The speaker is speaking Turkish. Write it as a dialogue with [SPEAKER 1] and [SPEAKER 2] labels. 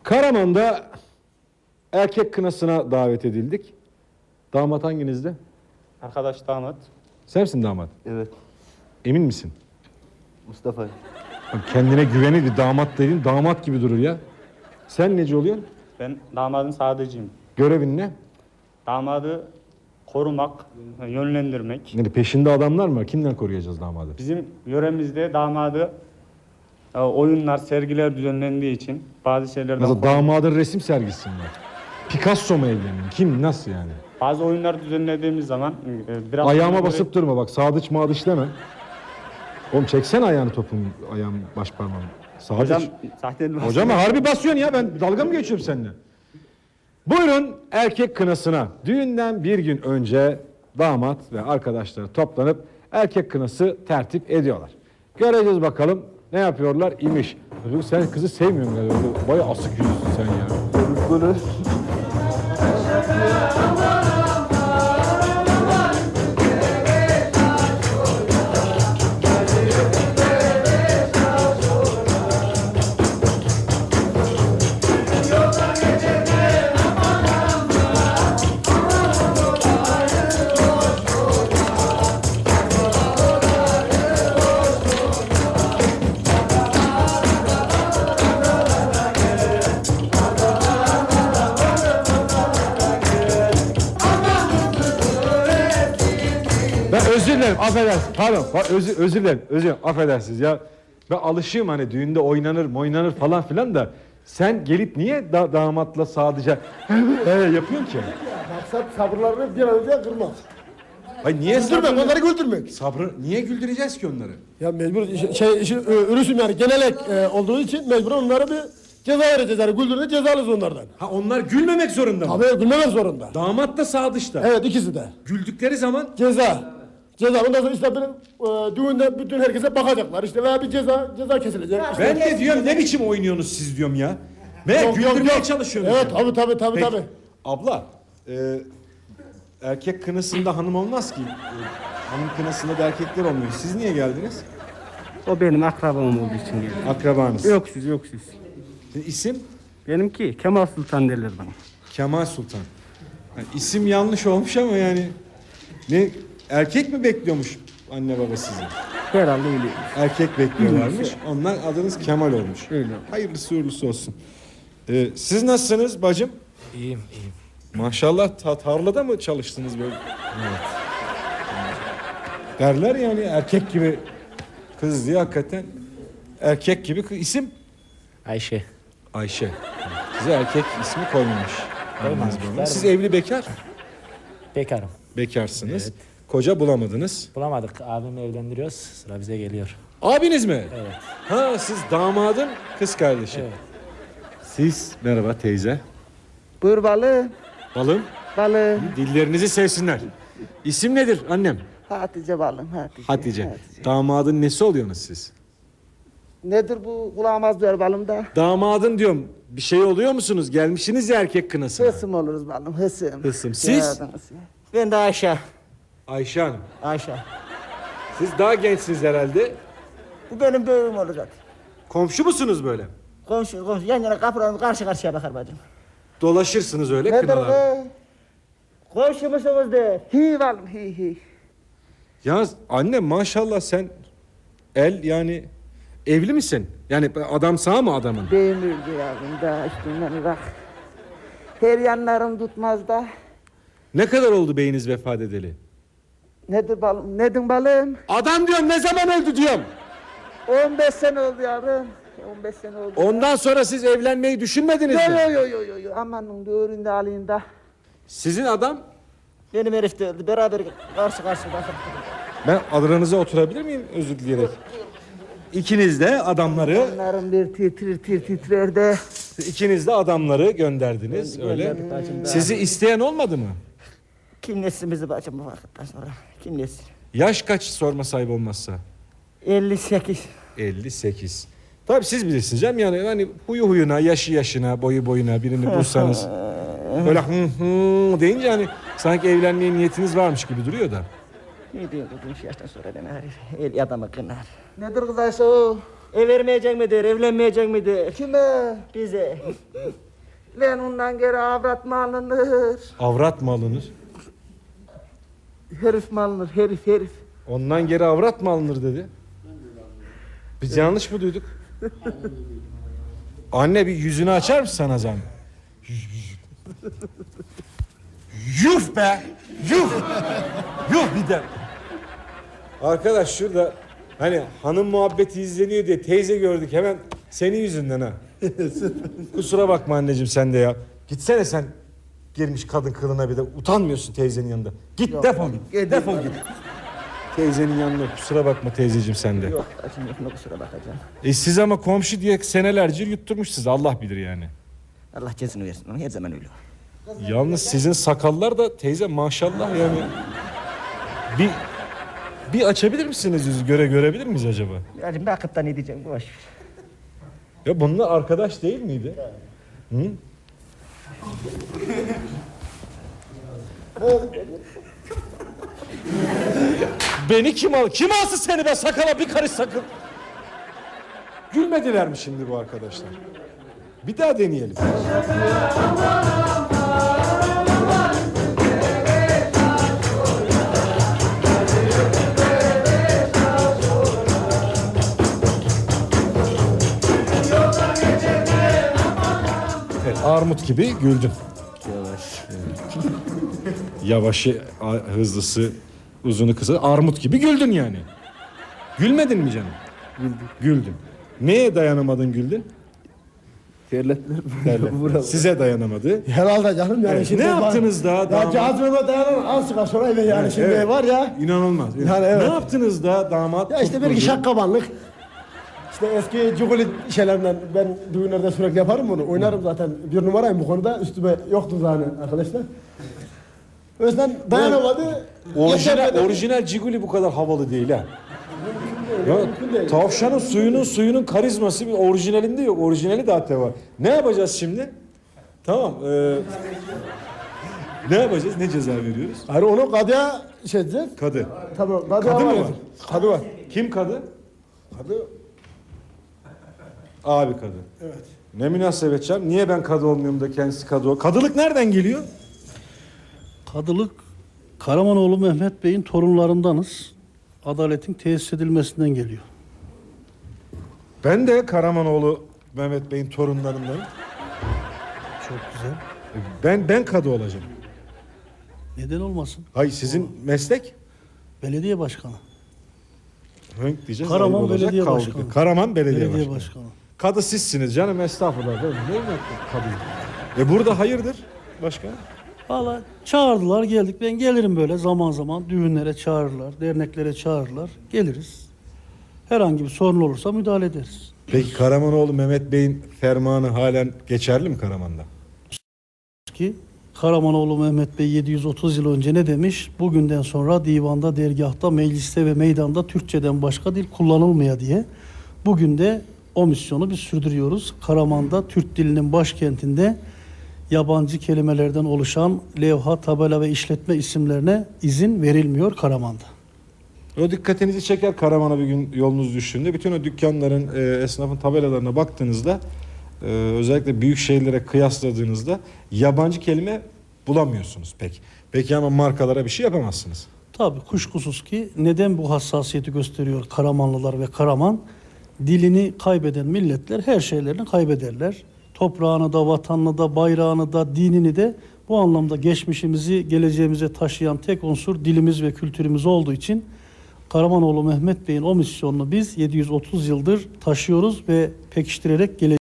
[SPEAKER 1] Karaman'da erkek kınasına davet edildik. Damat hanginizde?
[SPEAKER 2] Arkadaş damat.
[SPEAKER 1] Sen misin damat?
[SPEAKER 3] Evet.
[SPEAKER 1] Emin misin?
[SPEAKER 3] Mustafa.
[SPEAKER 1] Bak kendine güveni bir damat dediğin damat gibi durur ya. Sen neci oluyorsun?
[SPEAKER 2] Ben damadın sadıcıyım.
[SPEAKER 1] Görevin ne?
[SPEAKER 2] Damadı korumak, yönlendirmek.
[SPEAKER 1] Yani peşinde adamlar mı var? Kimden koruyacağız damadı?
[SPEAKER 2] Bizim yöremizde damadı oyunlar, sergiler düzenlendiği için bazı şeylerden
[SPEAKER 1] Mesela damadın resim sergisi mi var? Picasso mu evleniyor? Kim? Nasıl yani?
[SPEAKER 2] bazı oyunlar düzenlediğimiz zaman biraz
[SPEAKER 1] Ayağıma basıp durma bak. Sadıç mağdıç deme. Oğlum çeksene ayağını topun, ayağım baş parmağım. Sadıç.
[SPEAKER 2] hocam zaten
[SPEAKER 1] Hocam harbi basıyorsun ya, ben dalga mı geçiyorum seninle? Buyurun erkek kınasına. Düğünden bir gün önce damat ve arkadaşları toplanıp erkek kınası tertip ediyorlar. Göreceğiz bakalım ne yapıyorlar imiş. Sen kızı sevmiyorsun galiba. Bayağı asık yüzlüsün sen ya.
[SPEAKER 3] Bunu
[SPEAKER 1] Ben özür dilerim, affedersiniz. Pardon, özür dilerim, affedersiniz ya. Ben alışığım hani düğünde oynanır falan filan da sen gelip niye damatla sadece yapıyorsun ki?
[SPEAKER 4] Maksat sabırlarını bir an önce kırmak.
[SPEAKER 1] Hayır niye
[SPEAKER 4] Güldürmek, onları güldürmek.
[SPEAKER 1] Sabrı niye güldüreceğiz ki onları?
[SPEAKER 4] Ya mecbur ürüsüm yani genelek olduğu için mecbur onlara bir ceza vereceğiz. Yani güldürünce cezalıyız onlardan.
[SPEAKER 1] Ha onlar gülmemek zorunda mı?
[SPEAKER 4] Tabii gülmemek zorunda.
[SPEAKER 1] Damat da sadıçta.
[SPEAKER 4] Evet ikisi de.
[SPEAKER 1] Güldükleri zaman
[SPEAKER 4] Ceza. Ceza. Ondan sonra işte benim düğünde bütün herkese bakacaklar. İşte veya bir ceza kesilecek. İşte,
[SPEAKER 1] ben de diyorum ne biçim oynuyorsunuz siz diyorum ya. Ve güldürmeye çalışıyorsunuz.
[SPEAKER 4] Evet tabii.
[SPEAKER 1] Peki, abla erkek kınasında hanım olmaz ki. Hanım kınasında da erkekler olmuyor. Siz niye geldiniz?
[SPEAKER 2] o benim akrabam olduğu için geldim.
[SPEAKER 1] Akrabanız.
[SPEAKER 2] Yok siz.
[SPEAKER 1] İsim?
[SPEAKER 2] Benimki Kemal Sultan derler bana.
[SPEAKER 1] Kemal Sultan. Yani isim yanlış olmuş ama yani ne erkek mi bekliyormuş anne baba sizi?
[SPEAKER 2] Herhalde öyle.
[SPEAKER 1] Erkek bekliyorlarmış. Ondan adınız Kemal olmuş.
[SPEAKER 2] Öyle.
[SPEAKER 1] Hayırlısı uğurlusu olsun. Siz nasılsınız bacım?
[SPEAKER 5] İyiyim.
[SPEAKER 1] Maşallah tarlada mı çalıştınız böyle? Evet. Derler yani erkek gibi kız diye hakikaten erkek gibi isim
[SPEAKER 5] Ayşe.
[SPEAKER 1] Ayşe. Size erkek ismi koymamış.
[SPEAKER 5] Koymamışlar.
[SPEAKER 1] Siz evli bekar?
[SPEAKER 5] Bekarım.
[SPEAKER 1] Bekarsınız.
[SPEAKER 5] Evet.
[SPEAKER 1] Koca bulamadınız.
[SPEAKER 5] Bulamadık. Abimle evlendiriyoruz. Sıra bize geliyor.
[SPEAKER 1] Abiniz mi?
[SPEAKER 5] Evet.
[SPEAKER 1] Ha siz damadın kız kardeşi.
[SPEAKER 5] Evet.
[SPEAKER 1] Siz merhaba teyze.
[SPEAKER 6] Buyur balım.
[SPEAKER 1] Balım.
[SPEAKER 6] Balım.
[SPEAKER 1] Dillerinizi sevsinler. İsim nedir annem?
[SPEAKER 6] Hatice balım.
[SPEAKER 1] Hatice. Damadın nesi oluyorsunuz siz?
[SPEAKER 6] Nedir bu kulağımaz diyor balım da.
[SPEAKER 1] Damadın diyorum bir şey oluyor musunuz? Gelmişsiniz ya erkek kınasına.
[SPEAKER 6] Hısım oluruz balım hısım.
[SPEAKER 1] Hısım. Siz?
[SPEAKER 5] Ben de Ayşe.
[SPEAKER 1] Ayşe Hanım.
[SPEAKER 5] Ayşe.
[SPEAKER 1] Siz daha gençsiniz herhalde.
[SPEAKER 6] Bu benim büyüğüm olacak.
[SPEAKER 1] Komşu musunuz böyle?
[SPEAKER 6] Komşu yan yana kapılarımız karşı karşıya bakar bacım.
[SPEAKER 1] Dolaşırsınız öyle
[SPEAKER 6] Nedir
[SPEAKER 1] kınalar.
[SPEAKER 6] be? Komşu musunuz de? Hi balım hi.
[SPEAKER 1] Ya anne maşallah sen yani evli misin? Yani adam sağ mı adamın?
[SPEAKER 6] Beyim öldü yavrum da üstünden bak. Her yanlarım tutmaz da.
[SPEAKER 1] Ne kadar oldu beyiniz vefat edeli?
[SPEAKER 6] Nedir balım? Nedir balım?
[SPEAKER 1] Adam diyorum ne zaman öldü diyorum.
[SPEAKER 6] 15 sene oldu yavrum. 15 sene oldu.
[SPEAKER 1] Ondan sonra siz evlenmeyi düşünmediniz mi?
[SPEAKER 6] Yo. Amanın düğüründe alayım da.
[SPEAKER 1] Sizin adam
[SPEAKER 6] Benim herif de öldü. Beraber karşı bakın.
[SPEAKER 1] ben aranıza oturabilir miyim özür dileyerek? İkiniz de adamları
[SPEAKER 6] Onların bir titrer de.
[SPEAKER 1] ikiniz de adamları gönderdiniz öyle.
[SPEAKER 6] Gönderdik bacım da.
[SPEAKER 1] Sizi isteyen olmadı mı?
[SPEAKER 6] Kim nesin bizi bacım bu vakitten sonra? Kim nesin?
[SPEAKER 1] Yaş kaç sorma sahip olmazsa?
[SPEAKER 6] 58.
[SPEAKER 1] 58. Tabii siz bilirsiniz canım yani hani huyu huyuna, yaşı yaşına, boyu boyuna birini bulsanız böyle hı deyince hani sanki evlenmeye niyetiniz varmış gibi duruyor da.
[SPEAKER 6] Ne diyor bu yaştan sonra deme herif? El adamı kınar. Nedir kız Ayşe o?
[SPEAKER 5] Ev vermeyecek midir, evlenmeyecek midir?
[SPEAKER 6] Kime?
[SPEAKER 5] Bize.
[SPEAKER 6] Lan ondan geri avrat mı alınır?
[SPEAKER 1] Avrat mı alınır?
[SPEAKER 6] Herif mi alınır? Herif.
[SPEAKER 1] Ondan geri avrat mı alınır dedi. Biz yanlış mı duyduk? Anne bir yüzünü açar mısın sana zahmet? Yuh be! Yuh! Yuh bir de! Arkadaş şurada hani hanım muhabbeti izleniyor diye teyze gördük hemen senin yüzünden ha. Kusura bakma anneciğim sen de ya. Gitsene sen girmiş kadın kılına bir de utanmıyorsun teyzenin yanında. Git defol git. Defol git. Teyzenin yanına kusura bakma teyzeciğim sen de.
[SPEAKER 6] Yok şimdi şuna kusura bakacağım.
[SPEAKER 1] Siz ama komşu diye senelerce yutturmuşsunuz Allah bilir yani.
[SPEAKER 6] Allah cezini versin onu her zaman öyle.
[SPEAKER 1] Yalnız sizin sakallar da teyze maşallah yani. Bir açabilir misiniz yüzü görebilir miyiz acaba?
[SPEAKER 6] Yani bakıp da ne diyeceğim boş ver.
[SPEAKER 1] Ya bunlar arkadaş değil miydi? Hı? Beni kim al? Kim alsın seni be sakala bir karış sakın. Gülmediler mi şimdi bu arkadaşlar? Bir daha deneyelim. Evet, armut gibi güldün. Yavaşı, hızlısı, uzunu kısa, armut gibi güldün yani. Gülmedin mi canım? Güldün. Neye dayanamadın güldün?
[SPEAKER 3] Terletler.
[SPEAKER 1] Derler. Size dayanamadı.
[SPEAKER 4] Herhalde canım yani
[SPEAKER 1] Evet,
[SPEAKER 4] şimdi.
[SPEAKER 1] ne yaptınız daha?
[SPEAKER 4] Ya
[SPEAKER 1] damat?
[SPEAKER 4] cazibeme dayanan az çıkar sonra eve yani şimdi
[SPEAKER 1] Evet.
[SPEAKER 4] var ya.
[SPEAKER 1] İnanılmaz.
[SPEAKER 4] Yani evet.
[SPEAKER 1] Ne yaptınız da damat?
[SPEAKER 4] Ya işte bir
[SPEAKER 1] tutturdu?
[SPEAKER 4] şakkabanlık. İşte eski cuguli şeylerden ben düğünlerde sürekli yaparım bunu. Oynarım zaten. Bir numarayım bu konuda. Üstüme yoktu zaten arkadaşlar. O yüzden dayanamadı. yetermedi.
[SPEAKER 1] Orijinal Ciguli bu kadar havalı değil ha. Ya,
[SPEAKER 4] mümkün değil.
[SPEAKER 1] tavşanın suyunun karizması bir orijinalinde yok. Orijinali de hatta var. Ne yapacağız şimdi? Tamam. Ne yapacağız? Ne ceza veriyoruz?
[SPEAKER 4] Hayır onu kadıya şey edeceğiz.
[SPEAKER 1] Kadı.
[SPEAKER 4] Tabii kadıya
[SPEAKER 1] Kadı mı
[SPEAKER 4] var.
[SPEAKER 1] var?
[SPEAKER 4] Kadı var.
[SPEAKER 1] Kim kadı?
[SPEAKER 4] Kadı.
[SPEAKER 1] Abi kadı. Evet. Ne münasebet canım. Niye ben kadı olmuyorum da kendisi kadı ol? Kadılık nereden geliyor?
[SPEAKER 7] Kadılık Karamanoğlu Mehmet Bey'in torunlarındanız. Adaletin tesis edilmesinden geliyor.
[SPEAKER 1] Ben de Karamanoğlu Mehmet Bey'in torunlarındanım.
[SPEAKER 7] Çok güzel.
[SPEAKER 1] Ben kadı olacağım.
[SPEAKER 7] Neden olmasın?
[SPEAKER 1] Hayır sizin meslek?
[SPEAKER 7] Belediye başkanı.
[SPEAKER 1] Hönk diyeceğiz.
[SPEAKER 7] Karaman
[SPEAKER 1] ayıp olacak,
[SPEAKER 7] Belediye
[SPEAKER 1] kaldı.
[SPEAKER 7] Başkanı.
[SPEAKER 1] Karaman Belediye,
[SPEAKER 7] Belediye
[SPEAKER 1] Başkanı.
[SPEAKER 7] başkanı.
[SPEAKER 1] Kadı sizsiniz canım estağfurullah. Ben ne demek kadı? Burada hayırdır başkan?
[SPEAKER 7] Valla çağırdılar geldik. Ben gelirim böyle zaman zaman düğünlere çağırırlar, derneklere çağırırlar. Geliriz. Herhangi bir sorun olursa müdahale ederiz.
[SPEAKER 1] Peki Karamanoğlu Mehmet Bey'in fermanı halen geçerli mi Karaman'da?
[SPEAKER 7] Ki Karamanoğlu Mehmet Bey 730 yıl önce ne demiş? Bugünden sonra divanda, dergahta, mecliste ve meydanda Türkçeden başka dil kullanılmaya diye. Bugün de o misyonu biz sürdürüyoruz. Karaman'da Türk dilinin başkentinde yabancı kelimelerden oluşan levha, tabela ve işletme isimlerine izin verilmiyor Karaman'da.
[SPEAKER 1] O dikkatinizi çeker Karaman'a bir gün yolunuz düştüğünde. Bütün o dükkanların, esnafın tabelalarına baktığınızda özellikle büyük şehirlere kıyasladığınızda yabancı kelime bulamıyorsunuz pek. Peki ama markalara bir şey yapamazsınız.
[SPEAKER 7] Tabii kuşkusuz ki neden bu hassasiyeti gösteriyor Karamanlılar ve Karaman? Dilini kaybeden milletler her şeylerini kaybederler. Toprağını da, vatanını da, bayrağını da, dinini de bu anlamda geçmişimizi geleceğimize taşıyan tek unsur dilimiz ve kültürümüz olduğu için Karamanoğlu Mehmet Bey'in o misyonunu biz 730 yıldır taşıyoruz ve pekiştirerek geleceğiz.